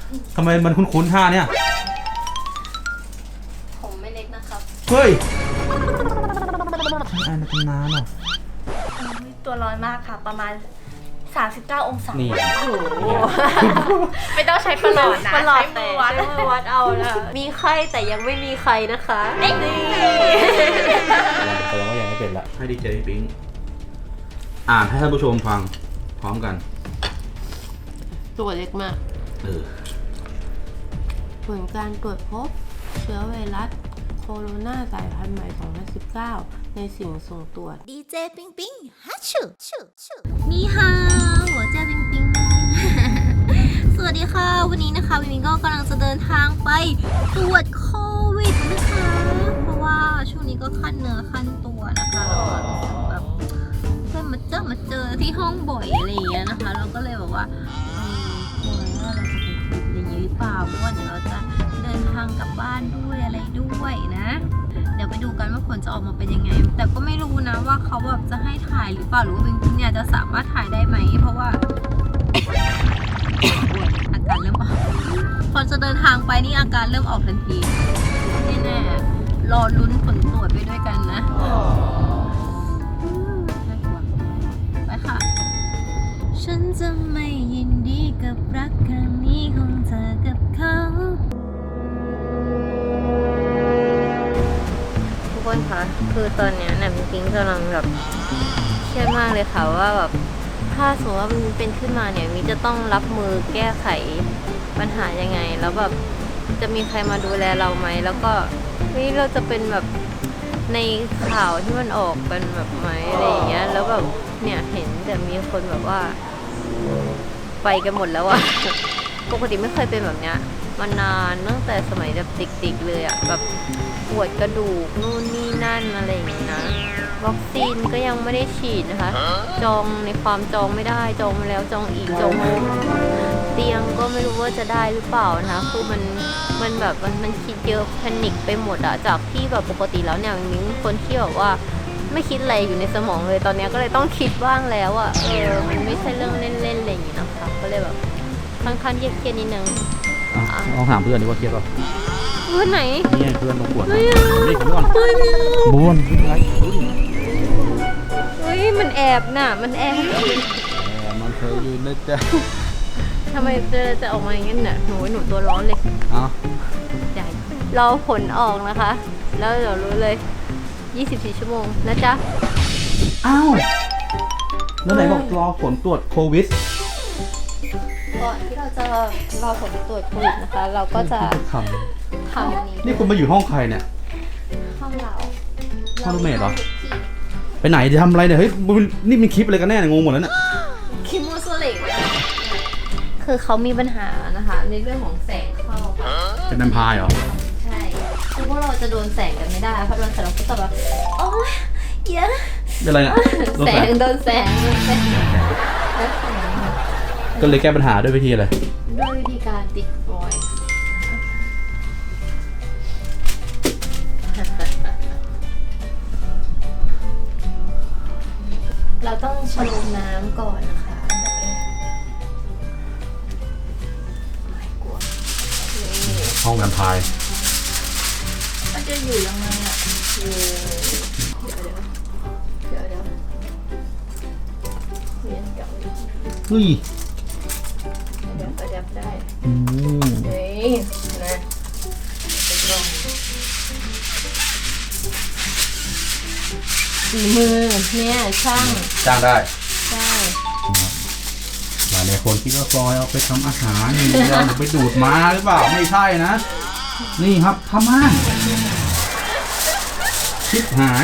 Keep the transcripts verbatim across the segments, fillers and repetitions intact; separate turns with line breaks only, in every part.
ทำไมมันคุ้นๆท่าเนี่ย
ผมไม่เล็กนะครับ
เฮ้ยใช่ในตำนานเหรอ
ตัวร้อนมากค่ะประมาณสามสิบเก้าองศา
นี่
โอ้โหไม่ต้องใช้ประหลอดนะ
ประหลอด
ใช้
แต่
มือวัด
ใช้มือวัดเอานะมีไข้แต่ยังไม่มีใครนะคะนี่
แสดงว่ายังไม่เป็นละให้ดีเจพี่ปิ๊งอ่านให้ท่านผู้ชมฟังพร้อมกัน
ตัวเล็กมาก
เออ
ผลการตรวจพบเชื้อไวรัสโคโรนาสายพันธุ์ใหม่สองพันสิบเก้าในสิ่งส่งตรวจ
ดีเจปิงปิงฮัชชูชูชูนี่ฮะหัวใจปิงปิง สวัสดีค่ะ วันนี้นะคะวิมิงก็กำลังจะเดินทางไปตรวจโควิดนะคะ เพราะว่าช่วงนี้ก็ขั้นเนื้อขั้นตัวนะคะแล้วก็รู้สึกแบบเพื่อนมาเจอมาเจอที่ห้องบ่อยอะไรอย่างเงี้ยนะคะเราก็เลยแบบว่าเออกลัวว่าเราจะเป็นโควิดอย่างนี้หรือเปล่าเพราะว่าเดี๋ยวเราจะเดินทางกลับบ้านด้วยอะไรด้วยนะ เดี๋ยวไปดูกันว่าผลจะออกมาเป็นยังไงแต่ก็ไม่รู้นะว่าเขาแบบจะให้ถ่ายหรือเปล่าหรือว่าวิงวิงเนี่ยจะสามารถถ่ายได้ไหมเพราะว่า อาการเริ่มออกพอจะเดินทางไปนี่อาการเริ่มออกทันทีแน่ๆรอลุ้นผลตรวจไปด้วยกันนะน่ากลัวไปค่ะฉันจะไม่ยินดีกับรักครั้งนี้ของเธอกับเขา
ทุกคนคะคือตอนนี้เนี่ยปิ๊งกำลังแบบเครียดมากเลยค่ะว่าแบบถ้าสมมติว่ามันเป็นขึ้นมาเนี่ยมิจะต้องรับมือแก้ไขปัญหายังไงแล้วแบบจะมีใครมาดูแลเราไหมแล้วก็นี่เราจะเป็นแบบในข่าวที่มันออกกันแบบไหมอะไรอย่างเงี้ยแล้วแบบเนี่ยเห็นแต่มีคนแบบว่าไปกันหมดแล้วอะปกติไม่เคยเป็นแบบเนี้ยมานานตั้งแต่สมัยแบบเด็กๆเลยอะแบบปวดกระดูกนู่นนี่นั่นอะไรอย่างงี้นะวัคซีนก็ยังไม่ได้ฉีดนะคะจองในความจองไม่ได้จองมาแล้วจองอีกจองเตียงก็ไม่รู้ว่าจะได้หรือเปล่านะคะคือมันมันแบบมันมันคิดเยอะแพนิคไปหมดอะจากที่แบบปกติแล้วเนี่ยมิ้งคนที่แบบว่าไม่คิดอะไรอยู่ในสมองเลยตอนนี้ก็เลยต้องคิดบ้างแล้วอะเออมันไม่ใช่เรื่องเล่นๆอะไรอย่างงี้นะคะก็เลยแบบค่อนข้างเครียดนิดนึง
ลองถามเพื่อนดีกว่าเครียดป่ะ
เพื่อนไหน
นี่เพื่อนมาปวดนี่ผมก่อนบ้วนอะไร
เฮ้ยมันแอบน่ะมันแอบ
มันเคยอยู่นะจ๊ะ
ทำไมจะจะออกมาอย่างนั้นน่ะหนูหนูตัวร้อนเลย
อ๋อ
ใหญ่รอผลออกนะคะแล้วเดี๋ยวรู้เลยยี่สิบสี่ชั่วโมงนะจ๊ะ
อ้าวแล้วไหนบอกรอผลตรวจโควิด
ก่อนที่เราจะรอผลตรวจโควิดนะคะเราก็จะทำทำนี้
นี่คุณมาอยู่ห้องใครเนี่ย
ห้องเรา
ห้องรูมเมทเหรอไปไหนจะทำอะไรเนี่ยเฮ้ยนี่เป็นคลิปอะไรกันแน่เนี่ยงงหมดแล้วเนี่ย
คลิปมูสเล็กคือเขามีปัญหานะคะในเรื่องของแสงเข้า
เป็นแวมไพร์เหรอ
ใช่คือพวกเราจะโดนแสงกันไม่ได้เพราะโดนแสงเราก็จะแบบโอ๊ยเยอะ
เป็นไรเนี่ย
แสงโดนแสงโดนแสง
ก็เลยแก้ปัญหาด้วยวิธีอะไร
ด้วยวิธีการติดฟอยล์เราต้องชโลมน้ำก่อนนะคะอันดับแรกไม่กลัว
ห้องแวมไพร์
มันจะอยู่ยังไงอ่ะอยู่เดี๋ยวเดี๋ยวเดี๋ยวเดี๋ยวเรียนเก่า
เฮ้ย
เดี๋ยวประดับได้
อืม
เฮ้ยนะเป็นลมฝีมือเนี่ยช่าง
จ้างได้
ใช่
หลายหลายคนคิดว่าฟอยเอาไปทำอาหารอย่างนี้เราไปดูดมาหรือเปล่าไม่ใช่นะนี่ครับผ้าม่านชิบหาย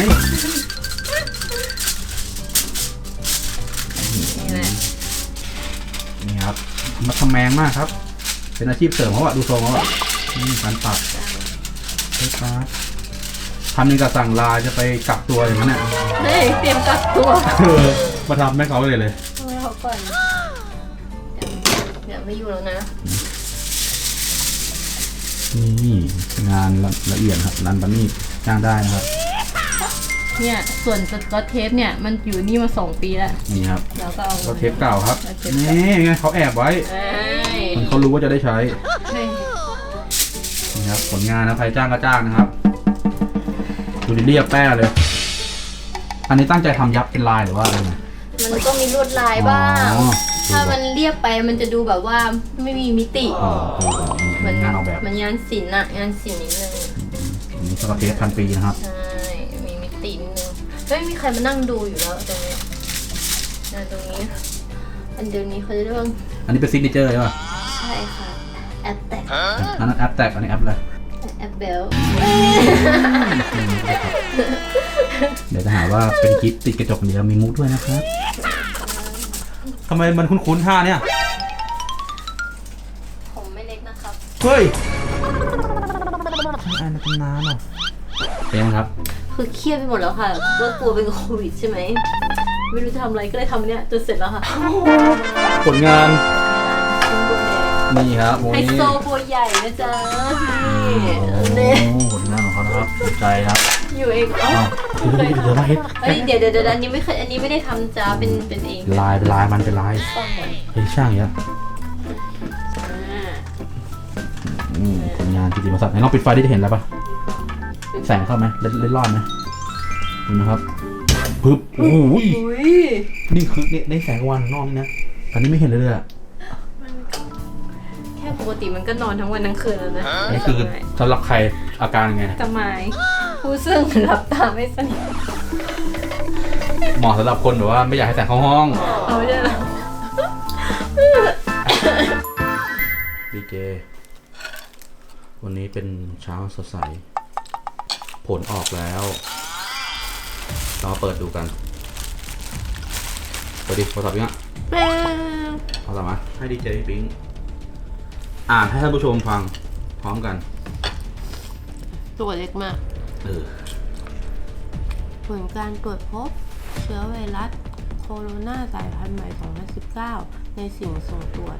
นี่แหละ
นี่ครับมาทำแมงมากครับเป็นอาชีพเสริมเขาอะดูทรงเขาอะนี่การปักใช่ครับทำยังกับสั่งลาจะไปกักตัวอย่างนั้นเนี่ย
เฮ้ยเตรียมกักตัว
มาทำแม่เขาเลยเลย
ให้เขาก่อนเดี๋ยวไม่อยู่แล้วนะ
นี่งานละเอียดครับรันบันนี่จ้างได้นะครับ
เนี่ยส่วนสกอตเทปเนี่ยมันอยู่นี่มาสองปีแล้ว
นี่ครับ
เราก็เอา
สกอตเทปเก่าครับนี่ไงเขาแอบไว้มันเขารู้ว่าจะได้ใช้นี่ครับผลงานนะใครจ้างก็จ้างนะครับดูดิเรียบแป้เลย อันนี้ตั้งใจทำยับเป็นลายหรือว่าอะไรไง
มันก็มีลวดลายบ้าง
อ๋อ
ถ้ามันเรียบไปมันจะดูแบบว่าไม่มีมิติ
อ๋ออ๋ออ๋อ
เหมือน
งานออกแบบ
มันงานศิลป์อะงานศิลป์นิดนึง
อันนี้สกอตเทปพันปีนะครับ
ใช่ มีมิตินิดนึงไม่มีใครมานั่งดูอยู่แล้วตรงนี้นะตรงนี้ อันเดียวนี้เขาจะเรียกว่า
อันนี้เป็นซิกเนเจอร์ใช่ป่ะ
ใช่ค่ะ แอปแตก
อันนั้นแอปแตกอันนี้แอปอะไร
แอปเบล
เดี๋ยวจะหาว่าเป็นคลิปติดกระจกเดียวมีมุกด้วยนะครับทำไมมันคุ้นๆท่าเนี่ย
ผมไม่เล็กนะครับ
เฮ้ยอันนั้นเป็นน้ำเหรอเป็นไงครับ
คือเครียดไปหมดแล้วค่ะก็กลัวเป็นโควิดใช่ไหม ไม่รู้จะทำอะไรก็เลยทำเนี้ยจนเสร็จแล้วค่ะ
ผลงาน นี่ครับโม
ไฮ
นี่
โซตัวใหญ่นะจ๊ะ
โอ้
นี่
โหผลงานของเขานะครับถูกใจครับ
อยู่เองเอ้า
อ้าวเดี๋ยวเดี๋ยวมาเฮ็ด
เฮ้ยเดี๋ยวเดี๋ยวเดี๋ยวอันนี้ไม่เคยอันนี้ไม่ได้ทำจ้าเป็นเป็นเอง
ลายเป็นลายมันเป็นลาย
ต้องหมด
เฮ้ยช่างเยอะ
อ่า
อืมผลงานจริงๆมาสัตว์ไหนลองปิดไฟดิจะเห็นแล้วปะแสงเข้าไหมเล่นเล่นรอดไหมเห็นไหมครับปึ๊บโอ้โห
อุ้ย
นี่คือนี่ในแสงวันข้างนอกนี่นะตอนนี้ไม่เห็นเลยเลยอะ
แค่ปกติมันก็นอนทั้งวันทั้งคืนแล้วนะ
นี่คือสำหรับใครอาการยังไง
ทำไมผู้ซึ่งหลับตาไม่สนิท
เหมาะสำหรับคนแบบว่าไม่อยากให้แสงเข้าห้อง
เอาไม่ได้หรอ
ดีเจวันนี้เป็นเช้าสดใสผลออกแล้วเรามาเปิดดูกันเปิดดิโทรศัพท์ยังอ่ะเอาละมาให้ดีเจปิ๊งอ่านให้ท่านผู้ชมฟังพร้อมกัน
ตัวเล็กมาก
เออ
ผลการตรวจพบเชื้อไวรัสโคโรนาสายพันธุ์ใหม่ สองพันสิบเก้า ในสิ่งส่งตรวจ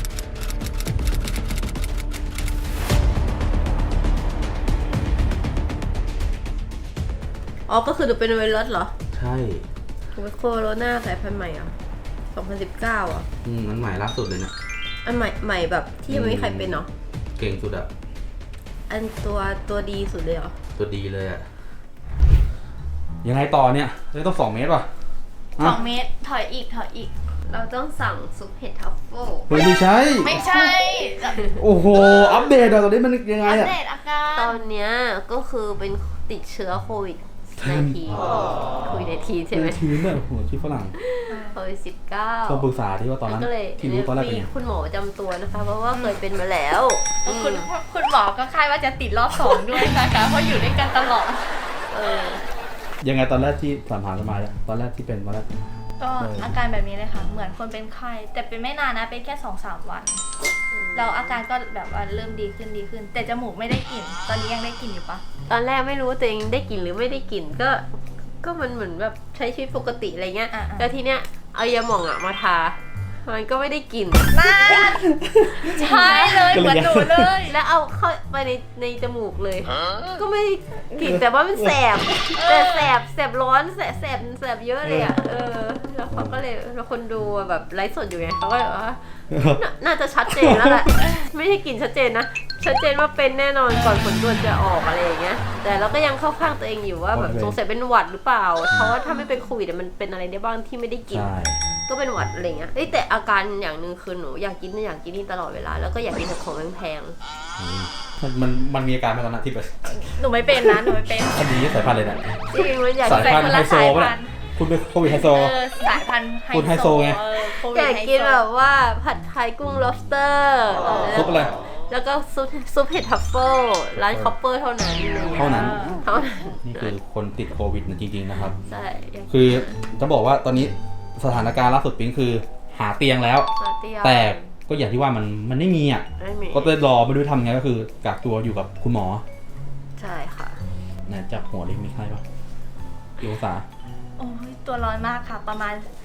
อ๋อ ก็คือดูเป็นไวรัสเหรอ
ใช่
โคโรนาสายพันธุ์ใหม่อ่ะ สองพันสิบเก้า อ่ะ
อืมนั้นใหม่ล่าสุดเลยเนี่ย
อันใหม่ใหม่แบบที่ยังไม่มีใครเป็นเนาะ
เก่งสุดอะ
อันตัวตัวดีสุดเลยเหรอ
ตัวดีเลยอะยังไงต่อเนี่ยเลยต้องสองเมตรป่ะ
สองเมตร ถอยอีก ถอยอีก
เราต้องสั่งซุปเห็ดทัฟเฟิล
เฮ้ยไม่ใช่
ไม่ใช่
โอ้โห อัปเดตอะตอนนี้มันยังไง
อัป
อะ
เดตอาการ
ตอนเนี้ยก็คือเป็นติดเชื้อโควิดในทีโควิดในทีใช่ไหม
ทีมเนี่ยโอ้โหที่ฝรั่ง
โควิดสิบเก้า
ต้องปรึกษาที่ว่าตอนนั้น
ก็เลย
ที่รู้ตอนแรกเป็น
มี
ไง
คุณหมอประจำตัวนะคะ เพราะว่าเคยเป็นมาแล้ว
คุณคุณหมอก็คาดว่าจะติดรอบสองด้วยนะคะ เพราะอยู่ด้วยกันตลอด
เออ
ยังไงตอนแรกที่ผ่านผ่านมาเนี่ยตอนแรกที่เป็นตอนแรก
ก็อาการแบบนี้เลยค่ะ เหมือนคนเป็นไข้ แต่เป็นไม่นานนะ เป็นแค่สองสามวัน เราอาการก็แบบว่าเริ่มดีขึ้นดีขึ้น แต่จมูกไม่ได้กลิ่น ตอนนี้ยังได้กลิ่นอยู่ปะ
ตอนแรกไม่รู้ว่าตัวเองได้กลิ่นหรือไม่ได้กลิ่นก็ ก็มันเหมือนแบบใช้ชีวิตปกติอะไรเงี้ย
อ่าๆ
แล้วทีเนี้ยเอายาหม่องอะมาทา มันก็ไม่ได้กลิ่น
น่าใช่เลยเหมือนหนูเลย
แล้วเอาเข้าไปในในจมูกเลย ก็ไม่ได้กลิ่นแต่ว่ามันแสบ แต่แสบแสบร้อนแสบแสบแสบเยอะเลยอ่ะ เออ แล้วเขาก็เลยแล้วคนดูแบบไลฟ์สดอยู่ไงเขาก็เลยว่าน่าน่าจะชัดเจนแล้วแหละ ไม่ใช่กลิ่นชัดเจนนะ ชัดเจนว่าเป็นแน่นอนก่อนผลตรวจจะออกอะไรอย่างเงี้ย แต่เราก็ยังเข้าข้างตัวเองอยู่ว่าแบบสงสัยเป็นหวัดหรือเปล่า เพราะว่าถ้าไม่เป็นโควิดมันเป็นอะไรได้บ้างที่ไม่ได้กลิ่น
ใช่
ก็เป็นหวัดอะไรเงี้ยเอ้ยแต่อาการอย่างหนึ่งคือหนูอยากกินนู่นอยากกินนี่ตลอดเวลา แล้วก็อยากกินแต่ของแพง
มันมันมันมีอาการไหมตอนนั้นที่แบบ
หนูไม่เป็นนะ หนูไม่เป็น
อันนี้สายพันธุ์เลยนะ
ๆจริงมันอยาก
สายพันธุ์ไฮโซป่ะเนี่ยคุณเป็นโควิดไฮโซ
เออสายพันธุ์ไฮ
คุณไฮโซ
โซ
ไง
เออโควิ
อ
ด
ยาก
ไฮ
กิน
โซ
แบบว่าผัดไทยกุ้ง lobster เออ
ซุปอะไร
แล้วก็ซุปซุปเห็ดทัฟเฟิลร้านคอปเปอร์เท่านั้น
เท่านั้น
เท่านั้น
นี่คือคนติดโควิดนะจริงๆนะครับ
ใช่อยาก
คือจะบอกว่าตอนนี้สถานการณ์ล่าสุดปิ๊งคือหาเตียงแล้ว
มาเตี้ย
แต่ก็อย่างที่ว่ามันมันไม่มีอ่ะ
ไม่มี
ก็เลยรอไม่รู้ทำไงก็คือกักตัวอยู่กับคุณหมอ
ใช่ค่ะ
เนี่ยจับหัวดิมีไข้ปะกี่องศา
โอ้ยตัวร้อนมากค่ะ ประมาณ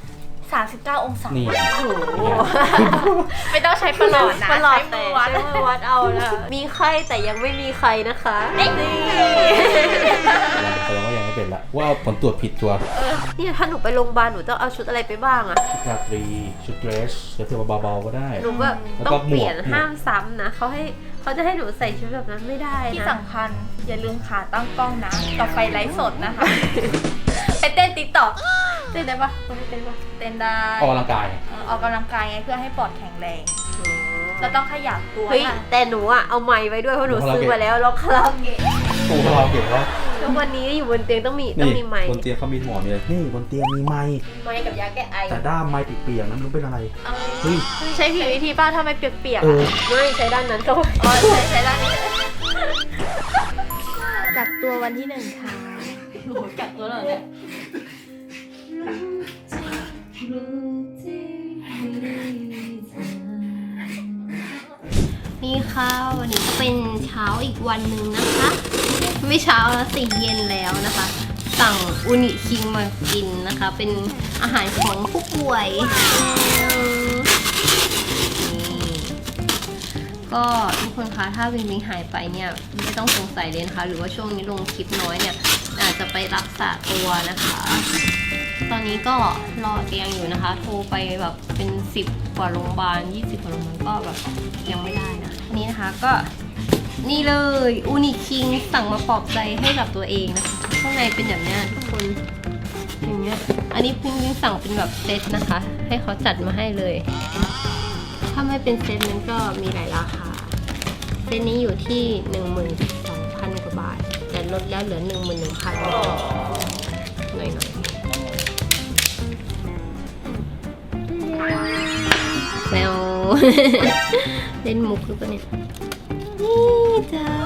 สามสิบเก้าองศา
นี่
โอ้โห
ไม่ต้องใช้ประหลอดนะ
ประหลอด
ใช้
แต่
มือวัด
ใช้มือวัดเอานะมีไข้แต่ยังไม่มีใครนะคะนี่
แสดงว่ายังไม่เป็นละว่าผลตรวจผิดตัว
เนี่ยถ้าหนูไปโรงพยาบาลหนูต้องเอาชุดอะไรไปบ้างอะ
ชุดราตรีชุดเดรสเสื้อเบาๆก็ได้
หนูแบบ
แล้ว
ต้
ก็
องเปลี่ยน
หมวก
ห้ามซ้ำนะเขาให้เขาจะให้หนูใส่ชุดแบบนั้นไม่ได้นะ
ที่สำคัญอย่าลืมขาตั้งกล้องนะต่อไปไลฟ์สดนะคะ ไปเต้นติ๊กต็อก
เต้นได้ปะไม่ได้เต้นปะ
เต้นได้
ออกกำลังกาย
เออออกกำลังกายไงเพื่อให้ปอดแข็งแรง เราต้องขยับตัว
เฮ้ย
ค่ะ
แต่หนูอะเอาไมค์ไว้ด้วยเพราะหนูซื้อมาแล้วแล้วคาราโอเกะ
โอ้โหเราเก็บแล้ว
แล้ววันนี้อยู่บนเตียงต้องมีต้องมีไมค์
บนเตียงเขามีหมอนเลยนี่บนเตียงมีไม้
ไมค์กับยาแก้ไอ
แต่ด้ามไม้เปียกๆนั้นมันเป็นอะไร
เอา
เฮ้ย
ใช้ผิดวิธีป้าทำไมเปียกๆ
เอ
อ่ะ
อ
ไม่ใช้ด้านนั้นก็ไว้
อ๋อใช้ใช้ด้านนี้กักตัววันที่หนึ่งค่ะ
โอ้โหกัดตัวเราเนี่ยนี่ค่ะวันนี้เป็นเช้าอีกวันหนึ่งนะคะ ไม่เช้าแล้วสิเย็นแล้วนะคะ สั่งอุนิคิงมากินนะคะ เป็นอาหารของผู้ป่วยนี่ก็ทุกคนคะถ้าวิงวิงหายไปเนี่ยไม่ต้องสงสัยเลยนะคะหรือว่าช่วงนี้ลงคลิปน้อยเนี่ยอาจจะไปรักษาตัวนะคะ ตอนนี้ก็รอเตียงอยู่นะคะ โทรไปแบบเป็นสิบกว่าโรงพยาบาลยี่สิบกว่าโรงพยาบาลก็แบบยังไม่ได้นะนี่นะคะก็นี่เลยอูนิคิงสั่งมาปลอบใจให้กับตัวเองนะคะข้างในเป็นแบบเนี้ยทุกคนอย่างเงี้ยอันนี้พิงพิงสั่งเป็นแบบเซตนะคะ ให้เขาจัดมาให้เลย ถ้าไม่เป็นเซตมันก็มีหลายราคาเซตนี้อยู่ที่หนึ่งหมื่นสองพันกว่าบาทแต่ลดแล้วเหลือหนึ่งหมื่นหนึ่งพันหน่อยหน่อยแซว เล่นมุกหรือเปล่าเนี่ยนี่จ้า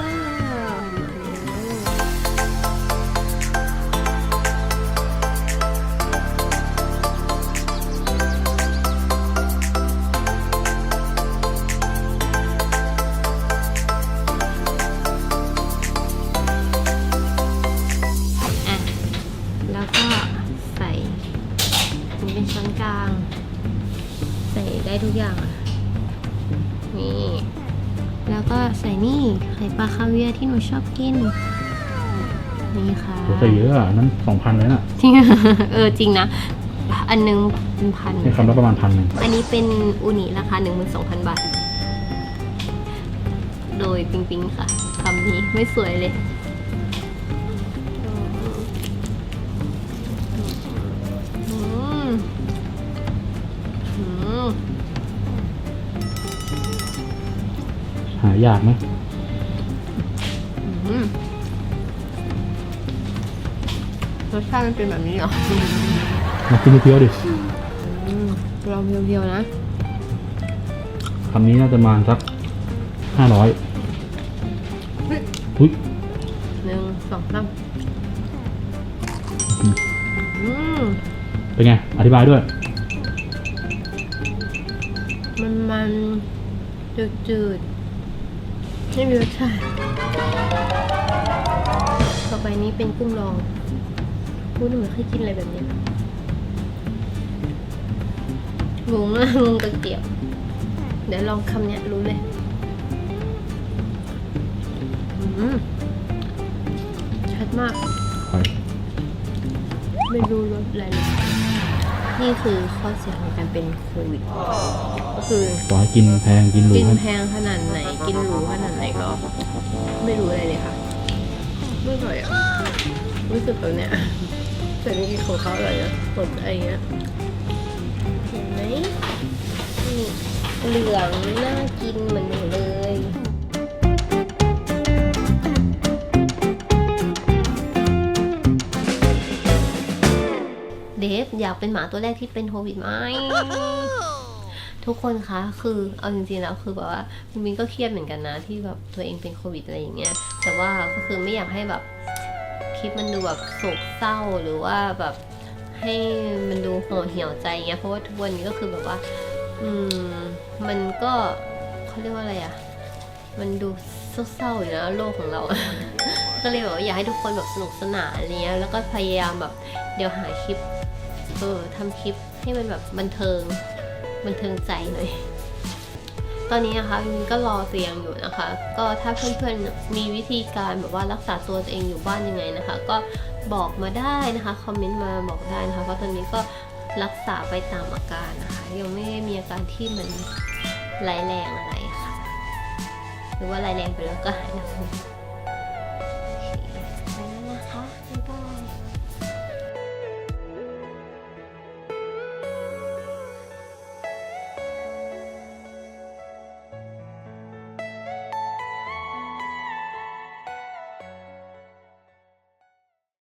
อ่ะแล้วก็ใส่นี่เป็นช้อนกลางใส่ได้ทุกอย่างอ่ะนี่แล้วก็ใส่นี่ไข่ปลาคาเวียร์ที่หนูชอบกินนี่ค่ะ
ใส่เยอะอ่ะนั้นสองพันเลยน่ะ
จริง เออจริงนะ อันนึงเป็นพัน
ในคำละประมาณพันหนึ่ง
อันนี้เป็นอูนิราคา หนึ่งหมื่นสองพัน บาท โดยปิงปิงค่ะคำนี้ไม่สวยเลยอืมอืม
หายากไหม
อืมรสชาติมันเป็นแบบนี้เหรอ
มากินเพียวๆดิ
อืมลองเพียวๆนะ
คำนี้น่าจะประมาณสักห้าร้อยอุ้ย
หนึ่งสองสามอืม
เป็นไง อธิบายด้วย
มันมันจืดจืดๆไม่มีรสชาติต่อไปนี้เป็นกุ้งลองพูดหนูไม่เคยกินอะไรแบบนี้งงอะงงตะเกียบเดี๋ยวลองคำเนี้ยรู้เลยอืมชัดมาก ไม่รู้รสอะไรเลยนี่คือข้อเสียของการเป็นโควิดก็คือ
ต่อให้กินแพงกินหรู
กิน
ให้
แพงขนาดไหน กินหรูขนาดไหนก็ ไม่รู้อะไรเลยค่ะ ไม่อร่อยอ่ะรู้สึกแบบเนี้ยแต่จริงๆของเขาอร่อยนะสดอะไรเงี้ยเห็นไหมนี่เหลืองน่ากินเหมือนหนูเลย เดฟอยากเป็นหมาตัวแรกที่เป็นโควิดไหม ทุกคนคะคือเอาจริงๆแล้วคือแบบว่าคุณมินก็เครียดเหมือนกันนะที่แบบตัวเองเป็นโควิดอะไรอย่างเงี้ยแต่ว่าก็คือไม่อยากให้แบบคลิปมันดูแบบโศกเศร้าหรือว่าแบบให้มันดูห่อเหี่ยวใจเงี้ยเพราะว่าทุกวันนี้ก็คือแบบว่าอืมมันก็เขาเรียกว่าอะไรอะมันดูเศร้าๆอยู่นะโลกของเรา ก็เลยแบบว่าอยากให้ทุกคนแบบสนุกสนานอะไรเงี้ยแล้วก็พยายามแบบเดี๋ยวหาคลิปเออทำคลิปให้มันแบบบันเทิงบันเทิงใจหน่อยตอนนี้นะคะมินก็รอเตียงอยู่นะคะก็ถ้าเพื่อนๆมีวิธีการแบบว่ารักษาตัวตัวเองอยู่บ้านยังไงนะคะก็บอกมาได้นะคะคอมเมนต์มาบอกได้นะคะเพราะตอนนี้ก็รักษาไปตามอาการนะคะยังไม่ได้มีอาการที่มันร้ายแรงอะไรค่ะหรือว่าร้ายแรงไปแล้วก็หายหนัก